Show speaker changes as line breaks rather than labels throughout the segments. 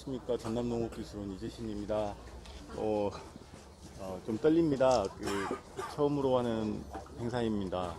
안녕하십니까. 전남농업기술원 이재신입니다. 좀 떨립니다. 처음으로 하는 행사입니다.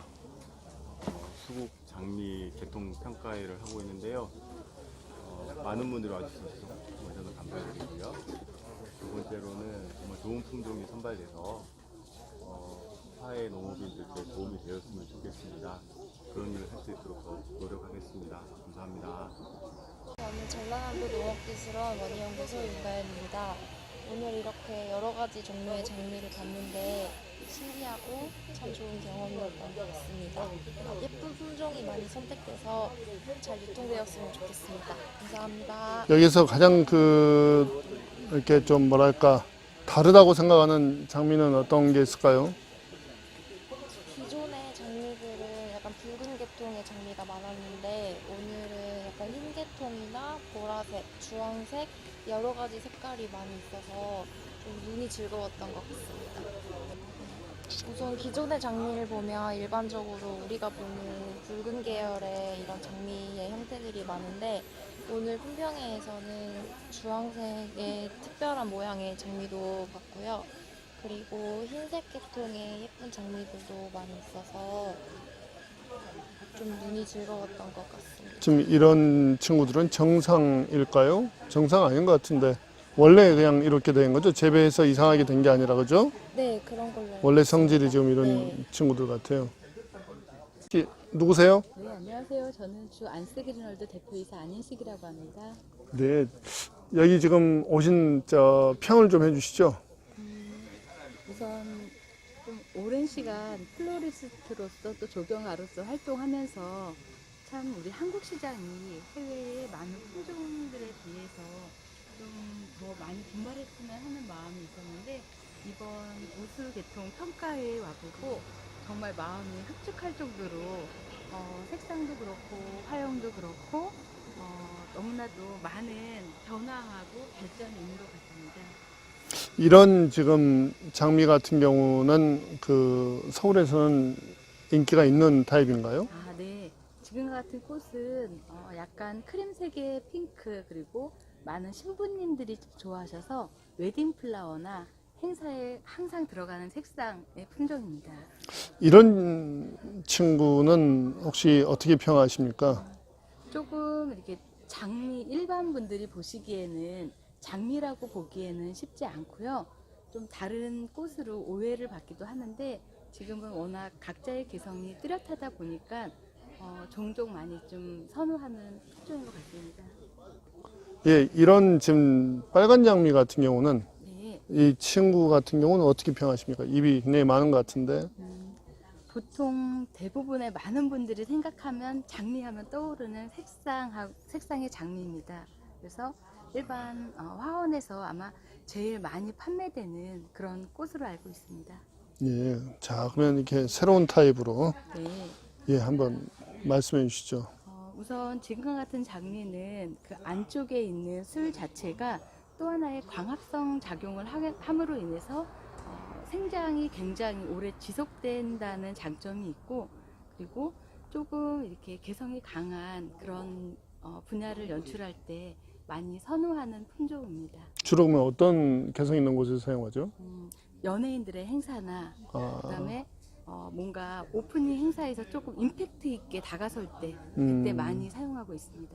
수국 장미 개통 평가회를 하고 있는데요. 많은 분들이 와주셔서 저는 감사드리고요. 두 번째로는 정말 좋은 품종이 선발돼서 사회 농업인들께 도움이 되었으면 좋겠습니다. 그런 일을 할 수 있도록 노력하겠습니다. 감사합니다.
저는 전라남도 농업기술원 원희연구소 윤가연입니다. 오늘 이렇게 여러 가지 종류의 장미를 봤는데 신기하고 참 좋은 경험이었던 것 같습니다. 예쁜 품종이 많이 선택돼서 잘 유통되었으면 좋겠습니다. 감사합니다.
여기서 가장 이렇게 좀 뭐랄까 다르다고 생각하는 장미는 어떤 게 있을까요?
기존의 장미들은 약간 붉은 계통의 장미가 많았는데 오늘은 약간 흰 계통이나 보라색, 주황색 여러 가지 색깔이 많이 있어서 좀 눈이 즐거웠던 것 같습니다. 우선 기존의 장미를 보면 일반적으로 우리가 보는 붉은 계열의 이런 장미의 형태들이 많은데 오늘 품평회에서는 주황색의 특별한 모양의 장미도 봤고요. 그리고 흰색 계통의 예쁜 장미들도 많이 있어서 좀 눈이 즐거웠던 것 같습니다.
지금 이런 친구들은 정상일까요? 정상 아닌 것 같은데 원래 그냥 이렇게 된 거죠? 재배해서 이상하게 된 게 아니라 그죠?
네, 그런 걸로.
원래 성질이 지금 이런
네.
친구들 같아요. 누구세요?
네, 안녕하세요. 저는 주 안스그린월드 대표이사 안인식이라고 합니다.
네, 여기 지금 오신 평을 좀 해주시죠.
우선 좀 오랜 시간 플로리스트로서 또 조경가로서 활동하면서 참 우리 한국 시장이 해외의 많은 품종들에 비해서 좀 더 많이 분발했으면 하는 마음이 있었는데 이번 우수 개통 평가회에 와보고 정말 마음이 흡족할 정도로 색상도 그렇고 화형도 그렇고 너무나도 많은 변화하고 발전이 있는 것 같습니다.
이런 지금 장미 같은 경우는 서울에서는 인기가 있는 타입인가요?
아, 네. 지금과 같은 꽃은 약간 크림색의 핑크 그리고 많은 신부님들이 좋아하셔서 웨딩 플라워나 행사에 항상 들어가는 색상의 품종입니다.
이런 친구는 혹시 어떻게 평하십니까?
조금 이렇게 장미 일반 분들이 보시기에는 장미라고 보기에는 쉽지 않고요. 좀 다른 꽃으로 오해를 받기도 하는데 지금은 워낙 각자의 개성이 뚜렷하다 보니까 종종 많이 좀 선호하는 품종인 것 같습니다.
예, 이런 지금 빨간 장미 같은 경우는
네.
이 친구 같은 경우는 어떻게 평하십니까? 입이 굉장히 많은 것 같은데.
보통 대부분의 많은 분들이 생각하면 장미하면 떠오르는 색상의 장미입니다. 그래서 일반 화원에서 아마 제일 많이 판매되는 그런 꽃으로 알고 있습니다.
예, 자 그러면 이렇게 새로운 타입으로
네.
예 한번 말씀해 주시죠.
우선 지금과 같은 장미는 그 안쪽에 있는 술 자체가 또 하나의 광합성 작용을 함으로 인해서 생장이 굉장히 오래 지속된다는 장점이 있고 그리고 조금 이렇게 개성이 강한 그런 분야를 연출할 때 많이 선호하는 품종입니다.
주로 그러면 어떤 개성 있는 곳에서 사용하죠?
연예인들의 행사나 그다음에 뭔가 오프닝 행사에서 조금 임팩트 있게 다가설 때 그때 많이 사용하고 있습니다.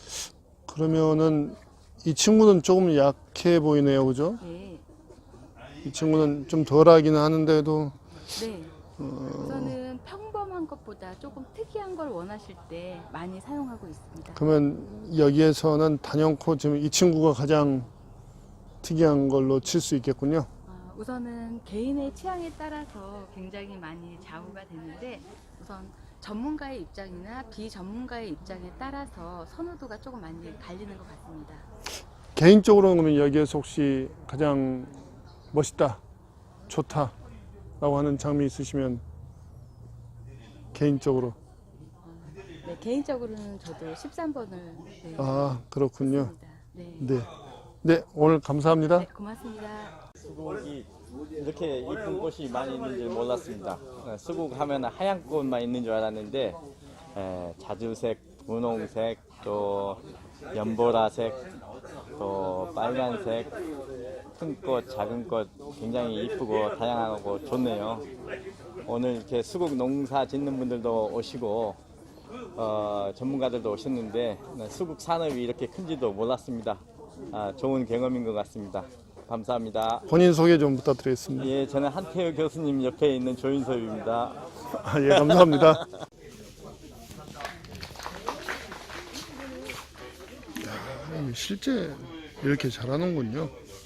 그러면은 이 친구는 조금 약해 보이네요, 그죠?
네.
이 친구는 좀 덜하기는 하는데도
네. 우선은 평범한 것보다 조금 특이한 걸 원하실 때 많이 사용하고 있습니다.
그러면 여기에서는 단연코 지금 이 친구가 가장 특이한 걸로 칠 수 있겠군요.
우선은 개인의 취향에 따라서 굉장히 많이 좌우가 되는데 우선 전문가의 입장이나 비전문가의 입장에 따라서 선호도가 조금 많이 갈리는 것 같습니다.
개인적으로는 그러면 여기에서 혹시 가장 멋있다, 좋다라고 하는 장미 있으시면 개인적으로.
네, 개인적으로는 저도 13번을
아, 그렇군요.
네.
네. 네, 오늘 감사합니다.
네, 고맙습니다.
수국이 이렇게 이쁜 꽃이 많이 있는 줄 몰랐습니다. 수국 하면 하얀 꽃만 있는 줄 알았는데 자주색, 분홍색, 또 연보라색, 또 빨간색, 큰 꽃, 작은 꽃 굉장히 이쁘고 다양하고 좋네요. 오늘 이렇게 수국 농사 짓는 분들도 오시고 전문가들도 오셨는데 수국 산업이 이렇게 큰지도 몰랐습니다. 좋은 경험인 것 같습니다. 감사합니다.
본인 소개 좀 부탁드리겠습니다.
예, 저는 한태우 교수님 옆에 있는 조인섭입니다.
예, 감사합니다. 실제 이렇게 잘하는군요.